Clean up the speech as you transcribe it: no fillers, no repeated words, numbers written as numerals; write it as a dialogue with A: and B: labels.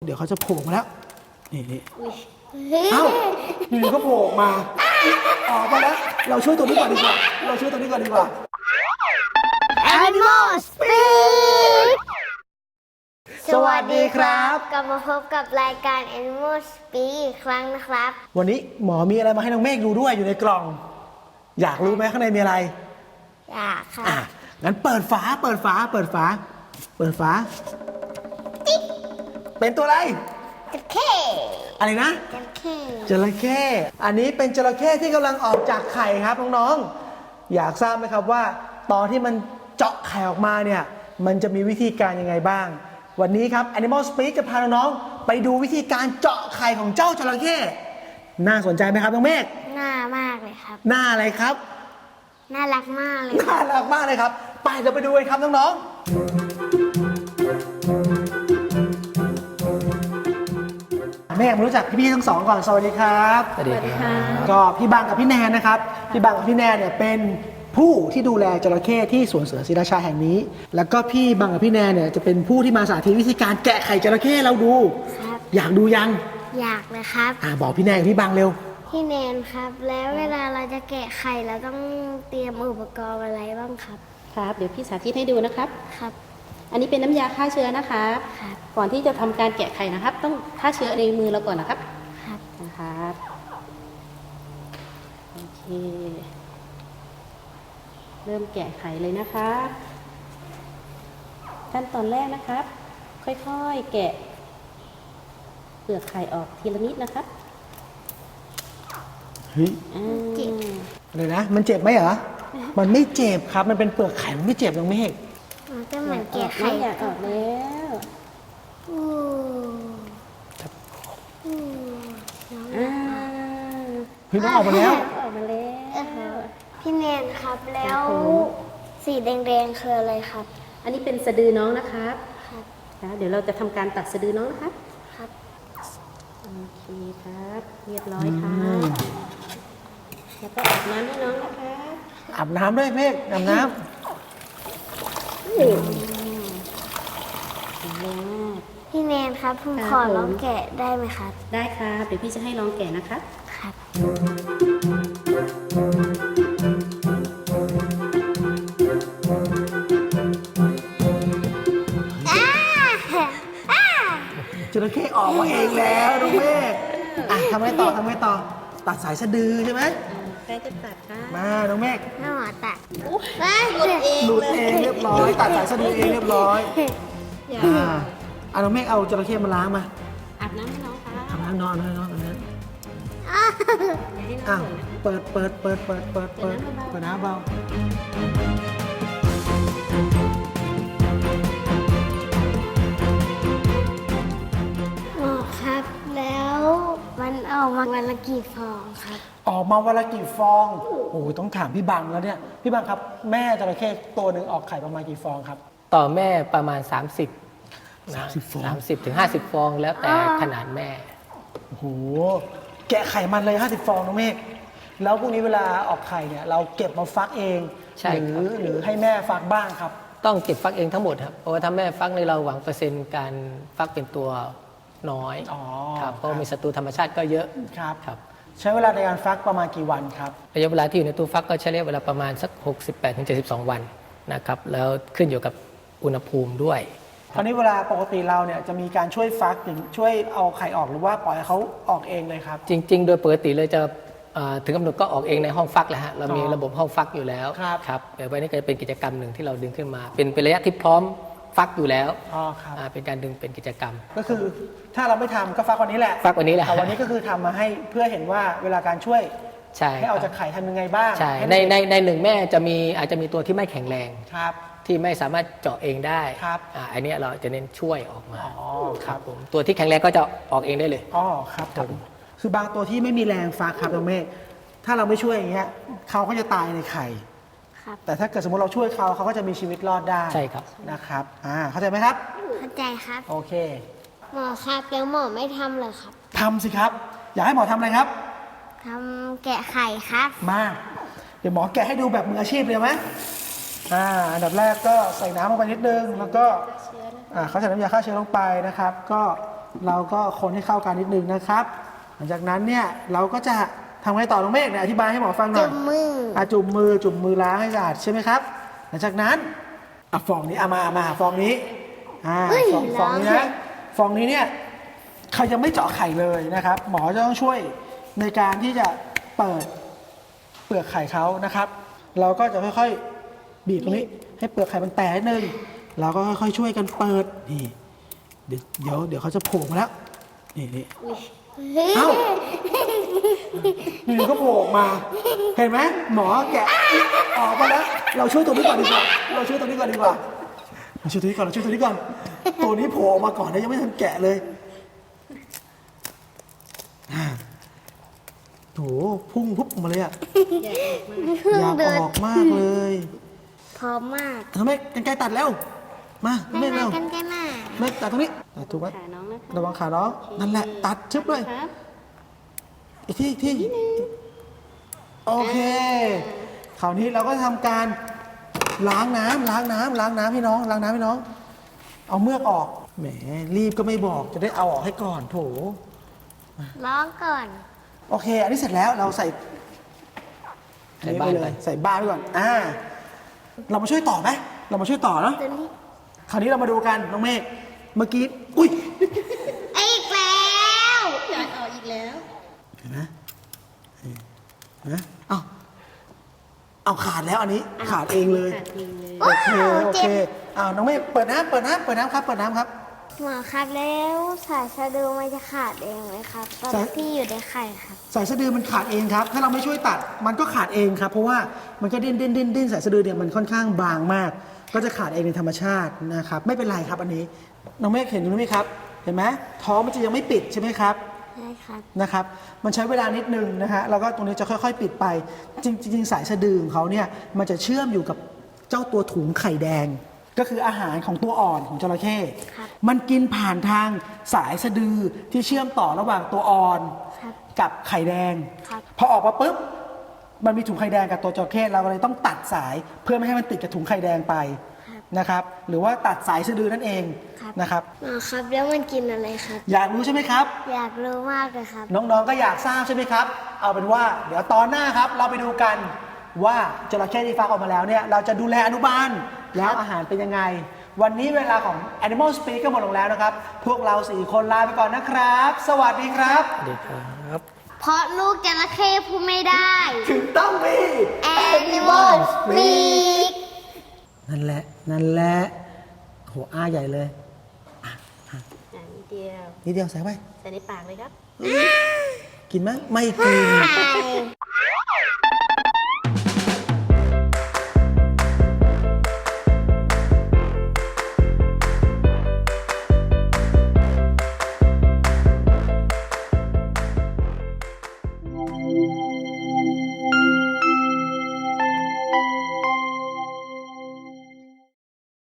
A: เดี๋ยวเขาจะโผล่มาแล้วนี่เอ้าอยู่ก็โผล่มาออกมาแล้วเราช่วยตัวนี้ก่อนดีกว่า
B: Animal Speak
A: สวัสดีครับ
B: กลับมาพบกับรายการ Animal Speak อีกครั้งนะครับ
A: วันนี้หมอมีอะไรมาให้น้องเมฆดูด้วยอยู่ในกล่อง อยากรู้ไหมข้างในมีอะไร
B: อยากครับ
A: งั้นเปิดฝาเป็นตัวอะไร
B: จระเข้
A: อะไรนะ
B: จระเข้
A: จระเข้อันนี้เป็นจระเข้ที่กำลังออกจากไข่ครับน้องๆอยากทราบไหมครับว่าตอนที่มันเจาะไข่ออกมาเนี่ยมันจะมีวิธีการยังไงบ้างวันนี้ครับ Animal Speak จะพาน้องๆไปดูวิธีการเจาะไข่ของเจ้าจระเข้น่าสนใจไหมครับน้องเมฆ
B: น่ามากเลยครับ
A: น่าอะไรครับ
B: น่ารักมากเลย
A: น่ารักมากเลยครับไปเราไปดูกันครับน้องๆแม่มารู้จักพี่ๆทั้งสองก่อนสวัสดีครับ
C: สวัสดีค่ะ
A: ก็พี่บังกับพี่แนนนะครับพี่บังกับพี่แนนเนี่ยเป็นผู้ที่ดูแลจระเข้ที่สวนเสือศรีราชาแห่งนี้ แล้วก็พี่บังกับพี่แนนเนี่ยจะเป็นผู้ที่มาสาธิตวิธีการแกะไข่จระเข้เราดู
B: ครับ
A: อยากดูยัง
B: อยากเลยครับ
A: บอกพี่แนนกับพี่บังเร็ว
B: พี่แนนครับ แล้วเวลาเราจะแกะไข่เราต้องเตรียมอุปกรณ์อะไรบ้างครับ
C: ครับ เดี๋ยวพี่สาธิตให้ดูนะครับ
B: ครับ
C: อันนี้เป็นน้ำยาฆ่าเชื้อนะครับ
B: ครับ
C: ก่อนที่จะทำการแกะไข่นะครับ ต้องฆ่าเชื้อในมือเราก่อนนะครับ
B: ครับ
C: นะครับโอเค เริ่มแกะไข่เลยนะครับขั้นตอนแรกนะครับ ค่อยๆแกะเปลือกไข่ออกทีละนิดนะครับ
A: เฮ้ย
C: อ่า
A: อะไรนะมันเจ็บไหมเหรอมันไม่เจ็บครับมันเป็นเปลือกไข่มันไม่เจ็บน้องเมฆ
B: มันก็เหมือนแกะไข่
C: น้ำยาออกแล้ว
B: อู้อู้น้อง
C: อ่า
A: เฮ้ยน้องออกมาแล้ว
C: ออกมาแล้ว
B: พี่แนนครับแล้วสีแดงๆคืออะไรครับ
C: อันนี้เป็นสะดือน้องนะครับ
B: ครับ
C: นะเดี๋ยวเราจะทำการตัดสะดือน้องนะครับ
B: ครับ
C: โอเคครับ เรียบร้อยครับแล้วก็อาบน้ำให้น้องนะคะ
A: อาบน้ำด้วยเมฆอาบน้
C: แรงมาก
B: พี่แนนครับผม
C: ครับ
B: ขอลองแกะได้ไหมครับ
C: ได้ครับ เดี๋ยวพี่จะให้ลองแกะนะครับ
B: ครับ
A: ำจระเข้ออกมาเองแล้วน้องเมฆทำไงต่อตัดสายสะดือใช่ไหม
C: ใกล้จะตัดค่ะ
A: มาน้องเมฆ
B: น้าหมอตัด
A: หลุดเองเรียบร้อยตัดสายสะดือเองเรียบร้อย
C: อย่า
A: น้องเมฆเอาจระเข้มาล้างมา
C: อาบน้ำให้น้องค่ะ
A: ทำน้ำนอนให้น้องกันนะ
C: อย่าให้น้
A: อ้า
C: อง
A: ว
C: เปิดนะ
A: เปิดน้ำเบา
B: หมอครับ แล้วมันออกมาวันละกี่ฟองครับ
A: ออกมาวันละกี่ฟองโอ้โหต้องถามพี่บังแล้วเนี่ยพี่บังครับแม่จระเข้ตัวหนึ่งออกไข่ประมาณกี่ฟองครับ
D: ต่อแม่ประมาณ 30
A: 30 ฟอง
D: 30 ถึง 50 ฟองแล้วแต่ขนาดแม่
A: โอ้โหแกะไข่มันเลย50 ฟองน้องเมฆแล้วพวกนี้เวลาออกไข่เนี่ยเราเก็บมาฟักเอง
D: ใช่ครับ
A: หรือให้แม่ฟักบ้างครับ
D: ต้องเก็บฟักเองทั้งหมดครับ เพราะว่าถ้าแม่ฟักในเราหวังเปอร์เซ็นต์การฟักเป็นตัวน้อย
A: อ๋อ
D: ครับเพราะมีศัตรูธรรมชาติก็เยอะ
A: ครับ
D: ครับ
A: ใช้เวลาในการฟักประมาณกี่วันครับ
D: ระยะเวลาที่อยู่ในตู้ฟักก็ใช้ระยะเวลาประมาณสัก 68-72 วันนะครับแล้วขึ้นอยู่กับอุณหภูมิด้วย
A: คราวนี้เวลาปกติเราเนี่ยจะมีการช่วยฟักหรือช่วยเอาไข่ออกหรือว่าปล่อยให้เขาออกเองเลยครับ
D: จริง ๆ โดยปกติเลยจะถึงกำหนดก็ออกเองในห้องฟักแหละฮะเรามีระบบห้องฟักอยู่แล้ว
A: ครับ
D: แต่วันนี้ก็จะเป็นกิจกรรมหนึ่งที่เราดึงขึ้นมา เป็นระยะที่พร้อมฟักอยู่แล้ว
A: อ๋อครับ
D: เป็นการดึงเป็นกิจกรรม
A: ก็คือถ้าเราไม่ทำก็ฟักวันนี้แหละ
D: ฟักวันนี้แหละ
A: แต่วันนี้ก็คือทำมาให้เพื่อเห็นว่าเวลาการช่วย
D: ใช่
A: ให้ออกจากไข่ทำยังไงบ้าง
D: ใช่
A: ห้
D: ในหนึ่งแม่อาจจะมีตัวที่ไม่แข็งแรง
A: ครับ
D: ที่ไม่สามารถเจาะเองได้
A: ครับ
D: อันเนี้ยเราจะเน้นช่วยออกมา
A: อ๋อครับ
D: ผมตัวที่แข็งแรงก็จะออกเองได้เลย
A: อ๋อครับผมคือบางตัวที่ไม่มีแรงฟักครับน้องเมฆถ้าเราไม่ช่วยอย่างเงี้ยเขาก็จะตายในไข่
B: ครับ
A: แต่ถ้าเกิดสมมติเราช่วยเขาก็จะมีชีวิตรอดได้
D: ใช่ครับ
A: นะครับเข้าใจไหมครับ
B: เข้าใจครับ
A: โอเค
B: หมอครับแล้วหมอไม่ทำเลยครับ
A: ทำสิครับ อยากให้หมอทำอะไรครับ
B: ทำแกะไข่ครับ
A: มาเดี๋ยวหมอแกะให้ดูแบบมืออาชีพเลยไหมอันดับแรกก็ใส่น้ำลงไปนิดนึงแล้วก็เขาใส่น้ำยาฆ่าเชื้อลงไปนะครับ ก็เราก็คนให้เข้ากันนิดนึงนะครับ หลังจากนั้นเนี่ยเราก็จะทำไงต่อน้องเมฆเนี่ยอธิบายให้หมอฟังหน่
B: จุ่
A: อย
B: มมือ
A: จุ่มมือล้างให้สะอาดใช่ไหมครับ หลังจากนั้นฟองนี้มาฟองนี้ฟองนี้นะฟองนี้เนี่ยเขายังไม่เจาะไข่เลยนะครับ หมอจะต้องช่วยในการที่จะเปิดเปลือกไข่เขานะครับ เราก็จะค่อยๆบีบตรงนี้ให้เปลือกไข่มันแตกนิดนึงเราก็ค่อยๆช่วยกันเปิดนี่เดี๋ยวเขาจะโผล่มาแล้วนี่เอ้านี่ก็โผล่ออกมาเห็นไหมหมอแกะออกมาแล้วเราช่วยตัวนี้ก่อนดีกว่าเราช่วยตัวนี้ก่อนตัวนี้โผล่ออกมาก่อนนะยังไม่ทันแกะเลยโถพุ่งพุบออกมาเลยอะอยากออกมากเลย
B: พร้อมมาก
A: ทำไมกันไกลตัดแล้วมาไม่เร็ว
B: กันมา
A: ไม่ตัดตรงนี้ถูกไหม
C: ขาน้องนะคะ
A: ระวังขาน้องนั่นแหละตัดชึบเลย
C: ครับ
A: อีกทีโอเคคราวนี้เราก็ทำการล้างน้ำให้น้องเอาเมือกออกแหมรีบก็ไม่บอกจะได้เอาออกให้ก่อนโถ
B: ร้องก่อน
A: โอเค อันนี้เสร็จแล้วเราใส่
D: ใส่บ้านไป
A: ใส่บ้านไปก่อนเรามาช่วยต่อไหมเรามาช่วยต่อเนาะ
B: ตัวนี้
A: คราวนี้เรามาดูกันน้องเมฆเมื่อกี้อุ้ย
B: อีกแล้ว
C: อยากออกอีกแล้ว
A: เห็นไหมเอาขาดแล้วอันนี้ขาดเองเลย
C: ขาดเองเลย
A: โอเคน้องเมฆเปิดน้ำครับ
B: หมอครับแล้วสายสะดือมันจะขาดเองไหมครับตอน
A: สาย
B: ที่อยู่ในไข่ครับ
A: สายสะดือมันขาดเองครับ ถ้าเราไม่ช่วยตัดมันก็ขาดเองครับ เพราะว่ามันก็ดิ้นสายสะดือเนี่ยมันค่อนข้างบางมาก ก็จะขาดเองในธรรมชาตินะครับไม่เป็นไรครับอันนี้น้องเมฆเห็นอยู่ไหมครับเห็นไหมท้องมันจะยังไม่ปิดใช่ไหมครับ
B: ใช่ครับ
A: นะครับมันใช้เวลานิดนึงนะฮะแล้วก็ตรงนี้จะค่อยๆปิดไปจริงๆสายสะดือของเขาเนี่ยมันจะเชื่อมอยู่กับเจ้าตัวถุงไข่แดง ก็คืออาหารของตัวอ่อนของจระเข้
B: ครับ
A: มันกินผ่านทางสายสะดือที่เชื่อมต่อระหว่างตัวอ่อน
B: ครับ
A: กับไข่แดง
B: ครับ
A: พอออกมาปุ๊บมันมีถุงไข่แดงกับตัวจระเข้เราก็เลยต้องตัดสายเพื่อไม่ให้มันติดกับถุงไข่แดงไปนะครับหรือว่าตัดสายสะดือนั่นเองนะครับ
B: หมอครับแล้วมันกินอะไรครับ
A: อยากรู้ใช่ไหมครับ
B: อยากรู้มากเลยครับ
A: น้องๆ ก็อยากทราบใช่ไหมครับ เอาเป็นว่าเดี๋ยวตอนหน้าครับ เราไปดูกันว่าจระเข้ที่ฟักออกมาแล้วเนี่ย เราจะดูแลอนุบาลแล้วอาหารเป็นยังไง วันนี้เวลาของ Animal Speak ก็หมดลงแล้วนะครับ พวกเรา4คนลาไปก่อนนะครับ สวัสดีครับ
D: สวัสดีครับ
B: เพราะลูกจระเข้พูดไม่ได้
A: ถึงต้องมี
B: Animal Speak
A: นั่นแหละโหอ้าใหญ่เลย
C: นิดเดียว
A: นิดเดียวใส่ไป
C: ใส่ในปากเลยครับ
A: กินไหมไม่กิน
B: ใช่